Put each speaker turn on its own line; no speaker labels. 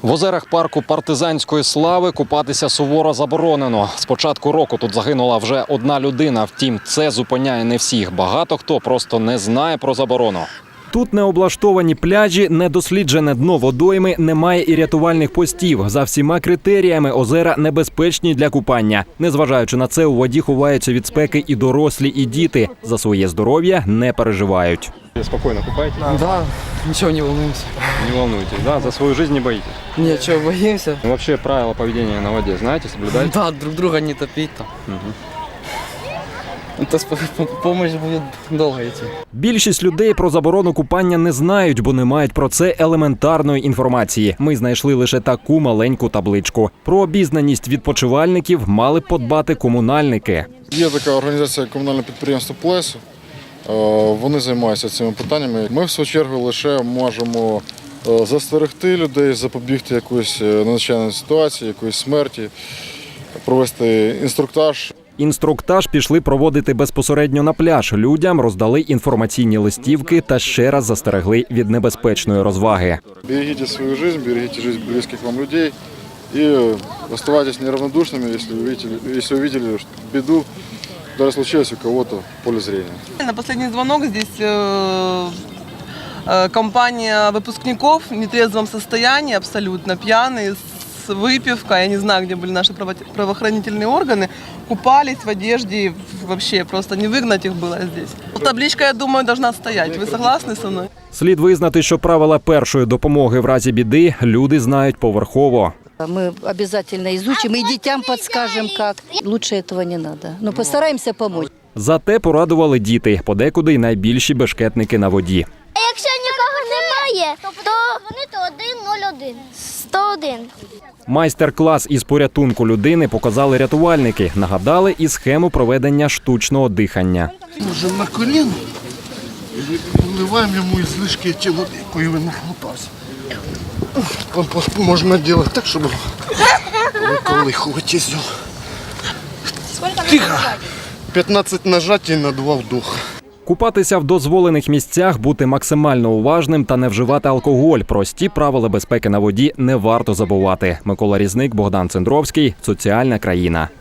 В озерах парку Партизанської слави купатися суворо заборонено. З початку року тут загинула вже одна людина. Втім, це зупиняє не всіх. Багато хто просто не знає про заборону. Тут не облаштовані пляжі, недосліджене дно водойми, немає і рятувальних постів. За всіма критеріями озера небезпечні для купання. Незважаючи на це, у воді ховаються від спеки і дорослі, і діти. За своє здоров'я не переживають.
Спокойно купаетесь?
Да, ничего не волнуемся.
Не волнуйтесь, да? За свою жизнь не боитесь?
Ничего, боимся.
Ну, вообще правила поведения на воде знаете, соблюдаете?
Да, друг друга не топить там. Это помощь будет долго идти.
Більшість людей про заборону купання не знають, бо не мають про це елементарної інформації. Ми знайшли лише таку маленьку табличку. Про обізнаність відпочивальників мали б подбати комунальники.
Є така організація комунального підприємства «Плесо». Вони займаються цими питаннями. Ми, в свою чергу, лише можемо застерегти людей, запобігти якоїсь надзвичайної ситуації, якоїсь смерті, провести інструктаж.
Інструктаж пішли проводити безпосередньо на пляж. Людям роздали інформаційні листівки та ще раз застерегли від небезпечної розваги.
Берегите свою жизнь, берегите жизнь близких вам людей и оставайтесь неравнодушными, если увидели беду, даже случилось у кого-то в поле зрения.
На последний звонок здесь компания выпускников в нетрезвом состоянии, абсолютно пьяные, с выпивкой. Я не знаю, где были наши правоохранительные органы. Купались в одежде, вообще просто не выгнать их было здесь. Табличка, я думаю, должна стоять. Вы согласны со мной?
Слід визнати, що правила першої допомоги в разі біди люди знають поверхово.
Мы обязательно изучим и детям подскажем, как. Лучше этого не надо. Но постараемся помочь.
Зате порадували діти, подекуди й найбільші бешкетники на воді.
А якщо нікого немає, то дзвонити 101. 101.
Майстер-клас із порятунку людини показали рятувальники. Нагадали і схему проведення штучного дихання.
Можемо на коліно і вливаємо йому ізлишки ті води, якої він нахлопався. Компост можна робити так, щоб виколихувати з нього. Тихо! 15 нажатій на 2 вдоха.
Купатися в дозволених місцях, бути максимально уважним та не вживати алкоголь. Прості правила безпеки на воді не варто забувати. Микола Різник, Богдан Цендровський. Соціальна країна.